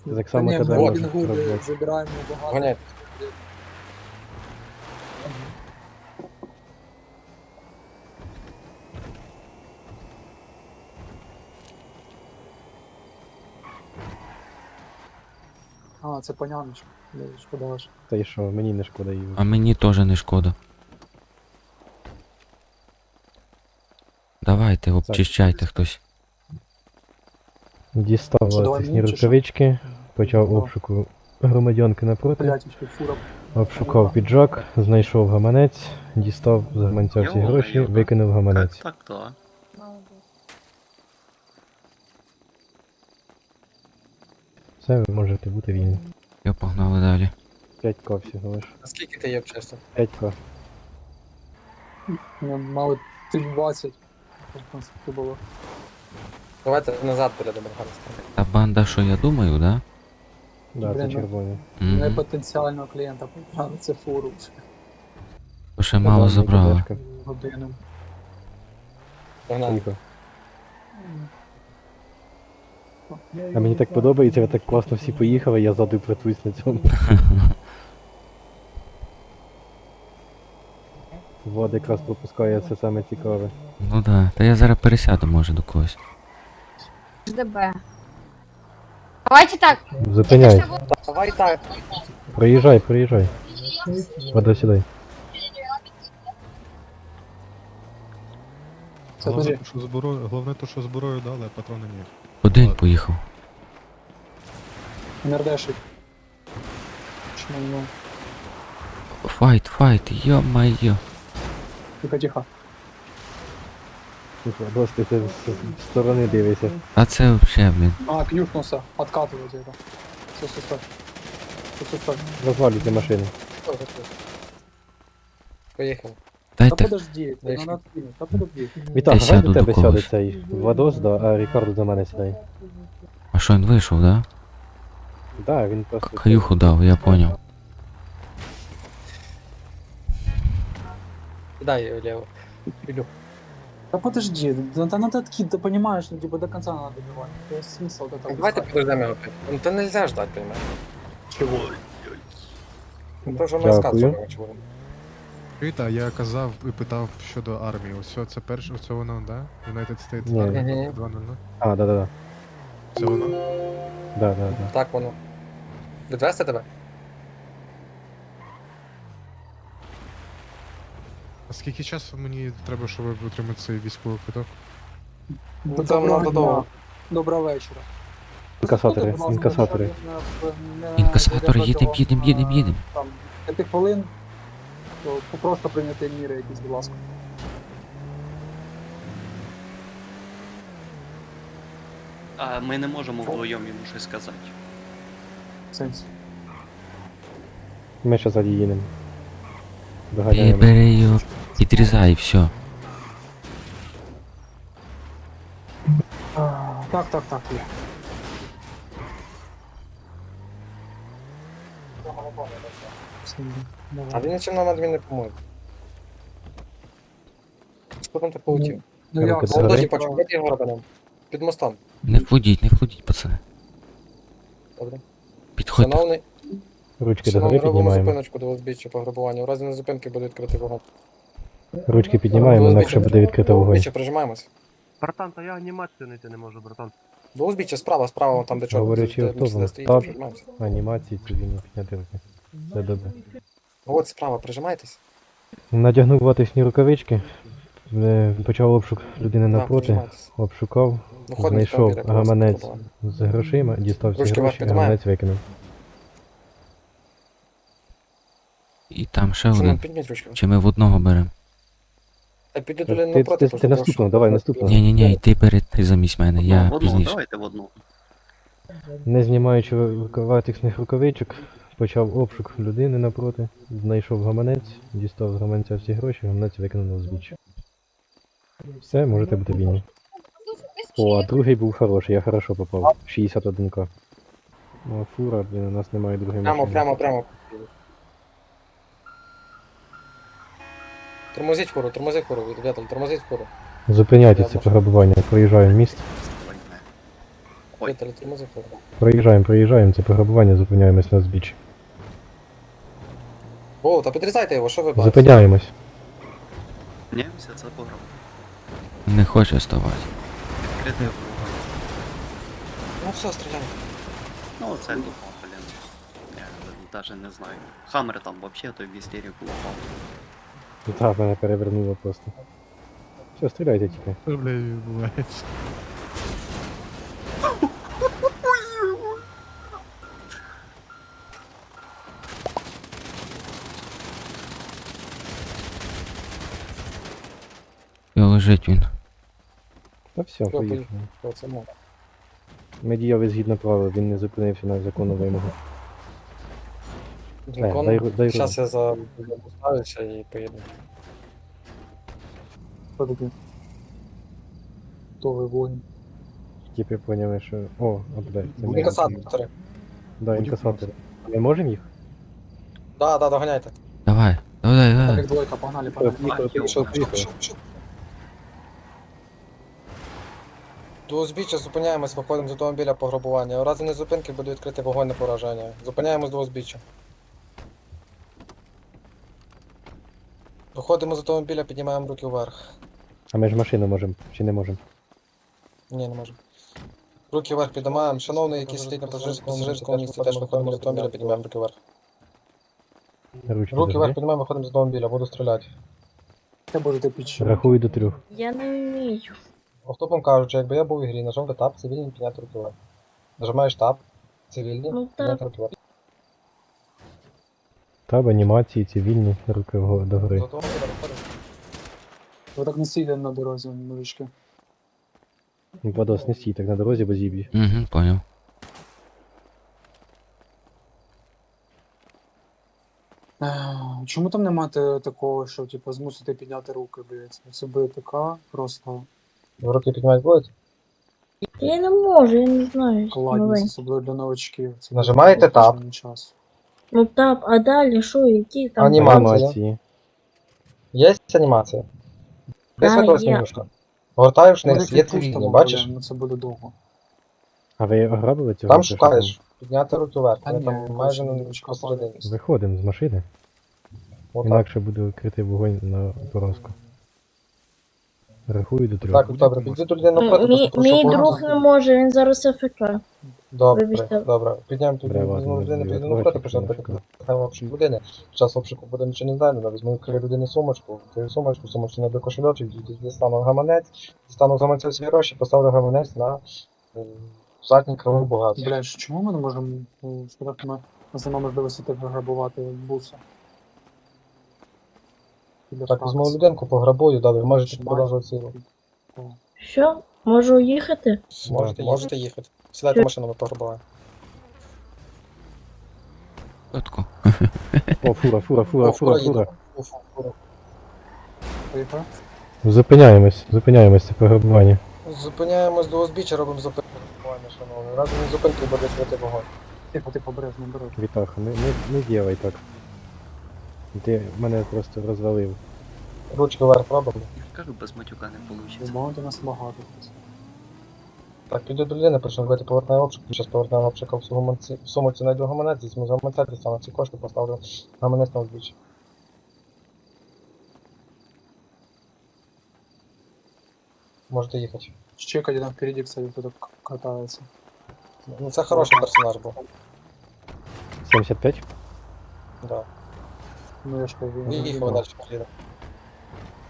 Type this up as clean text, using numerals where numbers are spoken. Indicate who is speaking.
Speaker 1: Так
Speaker 2: Та
Speaker 1: само
Speaker 2: ні,
Speaker 1: тебе
Speaker 2: ми
Speaker 1: можуть
Speaker 2: пінгуби
Speaker 1: робити.
Speaker 2: забираємо багато.
Speaker 3: Гоняйте.
Speaker 2: А, це паняночка. Шкода ж.
Speaker 1: Та й що, мені не шкода її.
Speaker 4: А мені теж не шкода. Давайте, обчищайте хтось.
Speaker 1: Дістав
Speaker 2: Що, давай
Speaker 1: латексні
Speaker 2: мені чи що?
Speaker 1: рукавички, почав
Speaker 2: Ну.
Speaker 1: обшуку громадянки напроти,
Speaker 2: Блять, ще фура.
Speaker 1: обшукав піджак, знайшов гаманець, дістав з гаманця всі
Speaker 5: Йо-моє,
Speaker 1: гроші,
Speaker 5: так.
Speaker 1: викинув гаманець.
Speaker 5: Так.
Speaker 1: Все, ви можете бути вільні.
Speaker 4: Я погнали далі.
Speaker 1: 5к всього лиш.
Speaker 3: А скільки ти є чесно?
Speaker 1: 5к.
Speaker 2: Ми мали 320. Це було.
Speaker 3: Давайте назад біля Доброгана станемо.
Speaker 4: Та банда, що я думаю, да?
Speaker 1: Да, це
Speaker 2: Блін, ну.
Speaker 1: червоні.
Speaker 2: Ми
Speaker 4: Угу.
Speaker 2: потенціального клієнта поправили, це фуру.
Speaker 4: То ще мало
Speaker 1: Подам,
Speaker 4: забрали.
Speaker 1: кидешка.
Speaker 2: Годину.
Speaker 3: Погнали.
Speaker 1: Поїхав. А мені так подобається, ви так класно всі поїхали, я ззаду плетусь на цьому. Влад якраз пропускає це саме цікаве.
Speaker 4: Ну да. Та я зараз пересяду, може, до когось.
Speaker 6: ДБ. Давайте так.
Speaker 1: Зупиняй.
Speaker 3: Давай так.
Speaker 1: Проїжджай, проїжджай. Вода сідай.
Speaker 2: Це
Speaker 7: Головне,
Speaker 2: дуже.
Speaker 7: то, що зброю, головне то, що зброю дали, а патрони ні.
Speaker 4: Один поїхав.
Speaker 2: Нердешик. Чому ну?
Speaker 4: Файт, йо-майо.
Speaker 2: Тихо.
Speaker 1: Досить ти з сторони дивишся.
Speaker 4: А це вообще, блін.
Speaker 2: А, кнюхнулся. Откатывать это. Стой.
Speaker 1: Розвалюйте машину.
Speaker 3: Поїхали.
Speaker 2: Та
Speaker 4: Дайте.
Speaker 2: подожди,
Speaker 3: Дальше.
Speaker 2: надо откинуть. Та подожди.
Speaker 1: Вітак,
Speaker 4: Я
Speaker 1: давай
Speaker 4: сяду
Speaker 1: до
Speaker 4: до
Speaker 1: тебе сяде
Speaker 4: когось.
Speaker 1: цей Владос, да, а Рікардо до мене сідай.
Speaker 4: А що він вийшов, да?
Speaker 1: Да, він просто...
Speaker 4: Каюху дав, я поняв.
Speaker 3: Дай влево. Ілю.
Speaker 2: Да подожди, да надо откид, ты понимаешь, ну типа до конца надо добивать. То есть смысл вот этого.
Speaker 3: Давайте подождемо його опять. Ну то нельзя ждать, понимаєш?
Speaker 2: Чего?
Speaker 3: Ну то, що ми
Speaker 1: Дякую.
Speaker 3: розказували, чого.
Speaker 7: Чуєте, а я казав і питав щодо армії. Ось це перше, це воно, да? United States
Speaker 1: Ні.
Speaker 7: Army
Speaker 3: Мгм.
Speaker 7: 2.0.
Speaker 1: А, да.
Speaker 7: Це воно?
Speaker 1: Да.
Speaker 3: Так воно. Відвести тебе?
Speaker 7: А скільки часу мені треба, щоб отримати цей військовий квиток?
Speaker 3: Ну, там надо довго.
Speaker 2: Доброго вечора.
Speaker 1: Інкасатори,
Speaker 2: Будь ласка,
Speaker 1: інкасатори.
Speaker 2: не
Speaker 4: Інкасатори,
Speaker 2: ведете
Speaker 4: їдем.
Speaker 2: Там 5 хвилин, то просто прийняти міри якісь, будь ласка.
Speaker 5: А ми не можемо вдвоєм йому щось сказати.
Speaker 2: Сенс.
Speaker 1: Ми ще ззаді їдемо. Доганяємо.
Speaker 4: Бери його, підрізай, і все.
Speaker 2: Так, є. Все,
Speaker 3: А
Speaker 2: давай.
Speaker 3: він нічим нам адмін не поможе. Що там так полетів?
Speaker 2: Ну як,
Speaker 1: Руки
Speaker 3: Вон
Speaker 1: Добре.
Speaker 3: досі почув, де його робимо? Під мостом.
Speaker 4: Не входіть, пацани.
Speaker 3: Добре.
Speaker 4: Підходьте.
Speaker 3: Шановний,
Speaker 1: Ручки
Speaker 3: шановний,
Speaker 1: догори
Speaker 3: робимо
Speaker 1: піднімаємо.
Speaker 3: зупиночку до узбіччя пограбування. У разі незупинки буде відкритий вогонь.
Speaker 1: Ручки піднімаємо, інакше буде відкрито
Speaker 3: До
Speaker 1: вогонь.
Speaker 3: узбіччя прижимаємось.
Speaker 8: Братан, та я анімацію знайти не можу, братан.
Speaker 3: До узбіччя справа, там де чорно.
Speaker 1: Говорячи
Speaker 3: де
Speaker 1: автобус,
Speaker 3: Мерседес стоїть,
Speaker 1: так.
Speaker 3: прижимаємося.
Speaker 1: Анімації, цивільно підняти руки. Все добре.
Speaker 3: От справа, прижимайтесь.
Speaker 1: Надягнув латексні рукавички, почав обшук людини
Speaker 3: Так,
Speaker 1: напроти,
Speaker 3: прижимайтесь.
Speaker 1: обшукав,
Speaker 3: Виходимо з
Speaker 1: знайшов
Speaker 3: автомобіля,
Speaker 1: гаманець
Speaker 3: просто
Speaker 1: з грошима, дістав всі
Speaker 3: Ручки
Speaker 1: гроші,
Speaker 3: вверх піднімаємо.
Speaker 1: гаманець викинув.
Speaker 4: І там ще
Speaker 3: Шановний,
Speaker 4: один.
Speaker 3: підніміть ручку.
Speaker 4: Чи ми в одного беремо?
Speaker 3: Та піди
Speaker 1: Ти-
Speaker 3: туди напроти,
Speaker 1: ти наступного, давай наступного.
Speaker 4: Ні, йди перед ти замість мене, я
Speaker 5: в одну,
Speaker 4: пізніше.
Speaker 5: давайте в одну.
Speaker 1: Не знімаючи латексних рукавичок, почав обшук людини напроти, знайшов гаманець, дістав з гаманця всі гроші, гаманець викинув на узбіччя. Все, можете бути вільні. О, а другий був хороший, я хорошо попав. 61к. О, фура, блін, у нас немає другої машини.
Speaker 3: Прямо. Тормозіть фуру, ребята, тормозіть фуру.
Speaker 1: Зупиняйте це пограбування, проїжджаю міст.
Speaker 5: Ой.
Speaker 3: Віталій, тормози хвилину.
Speaker 1: Проїжджаємо, це пограбування, зупиняємось на збіччі.
Speaker 3: О, та підрізайте його, що ви бачите?
Speaker 1: Зупиняємось.
Speaker 5: Ні, все це пограв.
Speaker 4: Не хочу ставати.
Speaker 5: Відкритий ворога.
Speaker 3: Ну все, стріляйте.
Speaker 5: Ну, це тупо, блін. Я навіть не знаю. Хаммер там вообще той в істерику упав.
Speaker 1: Так, мене перевернуло просто. Все, стріляйте тільки.
Speaker 7: Що, бля, відбувається?
Speaker 4: І лежить він.
Speaker 1: Та все, поїхали.
Speaker 3: Що це можна?
Speaker 1: Ми діяли згідно правил, він не зупинився на законну вимогу. дай
Speaker 3: Зараз я поставлюся і поїду.
Speaker 2: Хто такий? Хто ви воїн?
Speaker 1: Типи поняли, що... О, блядь, це ми.
Speaker 3: Інкасатори.
Speaker 1: Да, інкасатори. Ми можемо їх?
Speaker 3: Да, доганяйте.
Speaker 4: Давай, давай.
Speaker 2: Так, двойка, погнали, погнали.
Speaker 1: Поїхали.
Speaker 3: До узбіччя зупиняємось, виходимо з автомобіля пограбування. У разі незупинки буде відкрити вогонь на пораження. Зупиняємось до узбіччя. Виходимо з автомобіля, піднімаємо руки вверх.
Speaker 1: А ми ж машину можемо, чи не можемо?
Speaker 3: Ні, не можемо. Руки вверх піднімаємо. Шановний, який сидить на пасажирському місці, теж виходимо з автомобіля, піднімаємо руки вверх.
Speaker 1: Ручки
Speaker 3: Руки вверх
Speaker 1: завжди.
Speaker 3: піднімаємо, виходимо з автомобіля, буду стріляти.
Speaker 2: Це будете підчинити.
Speaker 1: Рахую до 3.
Speaker 6: Я не вмію.
Speaker 3: Автопом кажучи, якби я був в ігрі, нажав би тап, цивільний, підняти руки вверх. Нажимаєш тап, цивільний,
Speaker 6: Ну,
Speaker 3: підняти руки вверх.
Speaker 1: Таб, анімації, цивільні, руки до
Speaker 3: З
Speaker 1: гори.
Speaker 3: автомобіля виходимо.
Speaker 2: Ви так не сидите на дорозі, мужички.
Speaker 1: Владос, не стій так на дорозі, бо зіб'ї.
Speaker 4: Угу, поняв.
Speaker 2: Чому там нема такого, що типу змусити підняти руки, блядь? Це буде така просто
Speaker 3: Ви руки піднімати будете?
Speaker 6: Я не можу, я не знаю.
Speaker 2: кладність, особливо для новачків. Це
Speaker 3: Нажимаєте
Speaker 2: буде
Speaker 3: тап.
Speaker 2: кожен час.
Speaker 6: Ну так, а далі що, які там?
Speaker 3: Анімація. Є анімація? Де
Speaker 6: Да,
Speaker 3: світло
Speaker 6: є.
Speaker 3: менюшка? Гортаєш вниз,
Speaker 2: Буде
Speaker 3: є
Speaker 2: відпустимо,
Speaker 3: цивільні, бачиш?
Speaker 2: Ну це буде довго.
Speaker 1: А ви ограбили цього?
Speaker 3: Там
Speaker 1: чи що
Speaker 3: шукаєш, підняти руки вверх,
Speaker 2: Та
Speaker 3: вони
Speaker 2: ні,
Speaker 3: там майже
Speaker 2: точно,
Speaker 3: на
Speaker 2: ручка
Speaker 3: посередині.
Speaker 1: Виходимо з машини,
Speaker 3: Отак.
Speaker 1: інакше буде відкритий вогонь на поразку. Рахую до 3.
Speaker 3: Так, добре, підійди до людини напроти,
Speaker 6: Мій,
Speaker 3: просто
Speaker 6: мій
Speaker 3: прошу
Speaker 6: друг не може, він зараз АФК.
Speaker 3: Добре,
Speaker 6: Вибачте.
Speaker 3: добре. Підняємо тут
Speaker 1: Добре, ладно,
Speaker 3: людину,
Speaker 1: не
Speaker 3: підійди
Speaker 1: відкривайте,
Speaker 3: напроти, почнемо
Speaker 1: не відкривайте.
Speaker 3: питати обшук людини. Під час обшуку буде нічого не знайдено, візьму в людини сумочку, твою сумочку, сумочку на кошельочок, дістану гаманець, дістану з гаманця всі гроші, поставлю гаманець на задній кривий багато.
Speaker 2: Блядь, чому ми не можемо сказати, ми нема можливості так грабувати буса?
Speaker 3: Так, візьму людинку, пограбую, далі ви можете продовжувати силу.
Speaker 6: Що? Можу їхати?
Speaker 3: Можете їхати. Сідайте в машину, ми пограбуємо.
Speaker 4: Чотко.
Speaker 1: О, фура.
Speaker 3: Фура.
Speaker 2: Поїхали?
Speaker 1: Зупиняємось, це пограбування.
Speaker 3: Зупиняємось до узбіччя, робимо зупинку. Шановний. Разом із зупинкою буде святий вогонь.
Speaker 2: Тихо, обережно, обережно.
Speaker 1: Вітаха, не ділай так. Ти мене просто розвалив.
Speaker 3: Ручки вверх робимо.
Speaker 5: Я кажу, без матюка не вийде.
Speaker 2: Бумаги нас багато.
Speaker 3: Так, піду до людини, почнемо робити поверхневий обшук. Зараз поверхневий обшук в сумочці знайду гаманець, візьму з гаманця, дістану ці кошти, поставлю гаманець на узбіччя. Можете їхати.
Speaker 2: Чекайте, там впереди, кстати, кто-то катается.
Speaker 3: Ну це хороший персонаж був.
Speaker 1: 75?
Speaker 3: Да.
Speaker 2: Ну я ж кажу,
Speaker 3: І їхав далі поїде.